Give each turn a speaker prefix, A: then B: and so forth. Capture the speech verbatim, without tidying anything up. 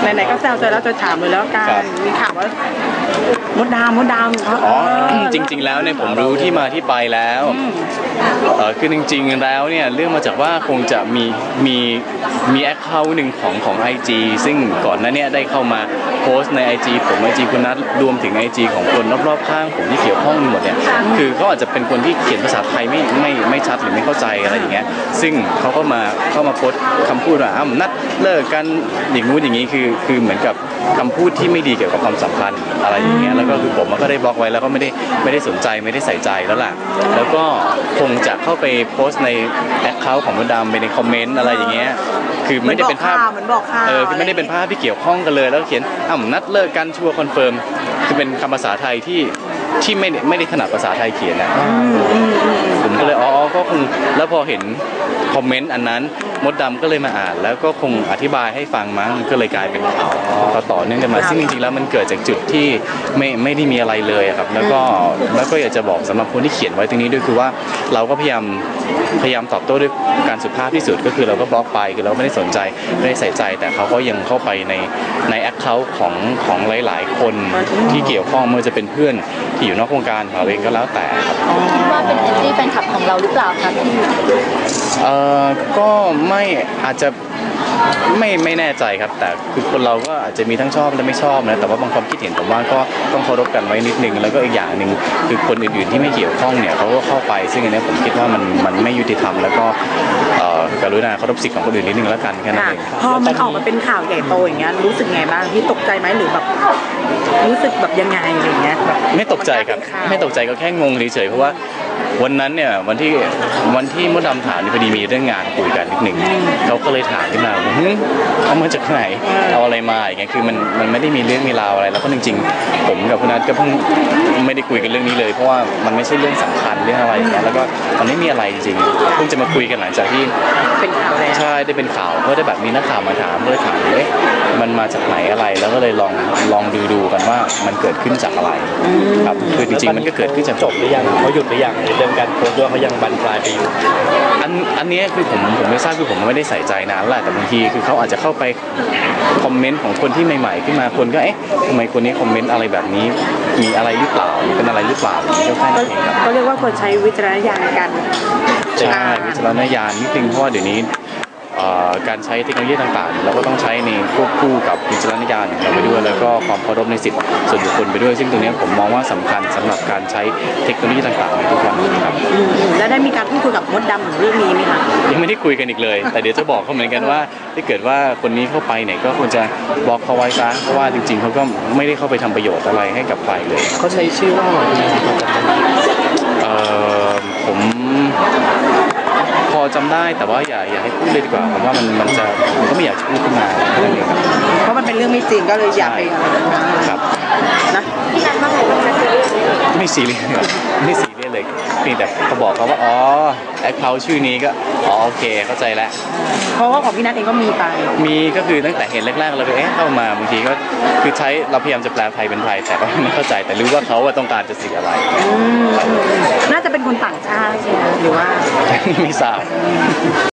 A: ไหนๆก็แซวจอยแล้วจอยถามเลยแล้วกันมีข่าวว่ามดดามมดดาม
B: อ๋อจริงๆแล้วเนี่ยผมรู้ที่มาที่ไปแล้วเออคือจริงๆแล้วเนี่ยเรื่องมาจากว่าคงจะมีมีมีแอคเคาท์หนึ่งของของ ไอ จี ซึ่งก่อนหน้านี้ได้เข้ามาโพสต์ใน ไอ จี ผม ไอ จี คุณนัทรวมถึง ไอ จี ของคนรอบๆข้างผมที่เกี่ยวข้องหมดเนี่ยคือเขาอาจจะเป็นคนที่เขียนภาษาไทยไม่ไม่ไม่ชัดหรือไม่เข้าใจอะไรอย่างเงี้ยซึ่งเขาก็มาเข้ามาโพสต์คำพูดว่าอ้าวนัดเลิกกันอย่างงู้นอย่างนี้คือคือเหมือนกับคำพูดที่ไม่ดีเกี่ยวกับความสัมพันธ์อะไรอย่างเงี้ยแล้วก็คือผมก็ได้บล็อกไว้แล้วก็ไม่ได้ไม่ได้สนใจไม่ได้ใส่ใจแล้วล่ะแล้วก็คงจะเข้าไปโพสต์ในแอคเคาท์ของมดดำไปในคอมเมนต์อะไรอย่างเงี้ยคือไม่ได้เป็นภาพเออคือไม่ได้เป็นภาพที่เกี่ยวข้องกันเลยแล้วเขียนอ้าวนัดเลิกกันชัวร์คอนเฟิร์มคือเป็นคำภาษาไทยที่ที่ไม่ไม่ได้ถนัดภาษาไทยเขียนนะผมก็เลยอ๋อก็คงแล้วพอเห็นคอมเมนต์อันนั้นมดดำก็เลยมาอ่านแล้วก็คงอธิบายให้ฟังมั้งก็เลยกลายเป็นข่าวต่อเนื่องกันมาซึ่งจริงๆแล้วมันเกิดจากจุดที่ไม่ไม่ได้มีอะไรเลยครับแล้วก็แล้วก็อยากจะบอกสำหรับคนที่เขียนไว้ตรงนี้ด้วยคือว่าเราก็พยายามพยายามตอบโต้ด้วยการสุภาพที่สุดก็คือเราก็บล็อกไปคือเราไม่ได้สนใจไม่ได้ใส่ใจแต่เขาก็ยังเข้าไปในในแอคเคาท์ของของหลายๆคนที่เกี่ยวข้องไม่ว่าจะเป็นเพื่อนที่อยู่นอกวงการเราเองก็แล้วแต่ครับ
C: คิดว่าเป็นแอนตี้แฟนคลับของเราหรือเปล่าคะพี่
B: เอ่อก็ไม่อาจจะไม่ไม่แน่ใจครับแต่คือคนเราก็อาจจะมีทั้งชอบและไม่ชอบนะแต่ว่าบางความคิดเห็นผมว่าก็ต้องเคารพกันไว้นิดนึงแล้วก็อีกอย่างหนึ่งคือคนอื่นๆที่ไม่เกี่ยวข้องเนี่ยเขาก็เข้าไปซึ่งอันนี้ผมคิดว่ามันมันไม่ยุติธรรมแล้วก็กรุณาเคารพสิทธิ์ของคนอื่นนิดนึงแล้วกันแค่นั้นเอง
A: พอมันออกมาเป็นข่าวใหญ่โตอย่างเงี้ยรู้สึกไงบ้างที่ตกใจไหมหรือแบบรู้สึกแบบยังไงอะไรเงี้ยแบบ
B: ไม่ตกใจครับไม่ตกใจก็แค่งงเฉยๆเพราะว่าวันนั้นเนี่ยวันที่วันที่มดดำถามพอดีมีเรื่องงานคุยกันนิดหนึ่งเขาก็เลยถามขึ้นมาว่าเอามาจากไหนเอาอะไรมาอย่างเงี้ยคือมันมันไม่ได้มีเรื่องมีราวอะไรแล้วก็จริงๆผมกับคุณนัทก็เพิ่งไม่ได้คุยกันเรื่องนี้เลยเพราะว่ามันไม่ใช่เรื่องสำคัญเรื่องอะไรอย่างเงี้ยแล้วก็มันไม่มีอะไรจริงๆเพิ่งจะมาคุยกันหลังจากที่
A: เป็นข่าวแล้ว
B: ใช่ได้เป็นข่าวเพราะได้แบบมีนักข่าวมาถามเลยถามเอ๊ะมันมาจากไหนอะไรแล้วก็เลยลองลองดูดูกันว่ามันเกิดขึ้นจากอะไรครับคือจริงๆมันก็เกิดขึ้นจาก
D: จบหรือยังเขาหยุดหรือยังในเรื่องการโพสต์ด้วยเขายังบรรปลายไปอยู่
B: อันอันนี้คือผมผมไม่ทราบคือผมไม่ได้ใส่ใจนานแหละแต่บางทีคือเขาอาจจะเข้าไปคอมเมนต์ของคนที่ใหม่ๆขึ้นมาคนก็เอ๊ะทำไมคนนี้คอมเมนต์อะไรแบบนี้มีอะไรหรือเปล่าเป็นอะไรหรือเปล่าก็แค่นั้นเองครับ
A: ก็เรียกว่าคนใช้วิจารณญาณในการ
B: ใช่วิจารณญาณนิดนึงเพราะว่าเดี๋ยวนี้การใช้เทคโนโลยีต่างๆเราก็ต้องใช้ในควบคู่กับวิจารณญาณของเราไปด้วยแล้วก็ความเคารพในสิทธิส่วนบุคคลไปด้วยซึ่งตรงนี้ผมมองว่าสำคัญสำหรับการใช้เทคโนโลยีต่างๆในทุกวันนี้ครับ
A: แล้วได้มีการพูดคุยกับมดดำถึงเรื่องนี้ไหมคะ
B: ยังไม่ได้คุยกันอีกเลยแต่เดี๋ยวจะบอกเขาเหมือนกันว่าถ้าเกิดว่าคนนี้เข้าไปเนี่ยก็ควรจะบล็อกเขาไว้ซะเพราะว่าจริงๆเขาก็ไม่ได้เข้าไปทำประโยชน์อะไรให้กับใครเลย
D: เขาใช้ชื่อว่า
B: เอ่อผมพอจำได้แต่ว่าอย่าอย่าให้พูดเลยดีกว่าผมว่ามันมันจะผมก็ไม่อยากพูดขึ้นมา
A: เพราะมันเป็นเรื่องไม่จริงก็เลยอยากไป
B: ครับ
A: นะพี่นัทว่าไงบ้างคะ
B: ไม่ซีเรียสไม่ซีเรียสเลยเพียงแต่เขาบอกเขาว่าอ๋อแอคเคาท์ชื่อนี้ก็อ๋อโอเคเข้าใจแล้ว
A: เพราะว่าของพี่นัทเองก็มีไป
B: มีก็คือตั้งแต่เห็นแรกๆเราก็เอ๊ะเข้ามาบางทีก็คือใช้เราพยายามจะแปลไทยเป็นไทยแต่ก็ไม่เข้าใจแต่รู้ว่าเขาต้องการจะสื่ออะไร
A: น่าจะเป็นคนต่างชาติใช่ไหมหรือว่า
B: ไม่ทราบ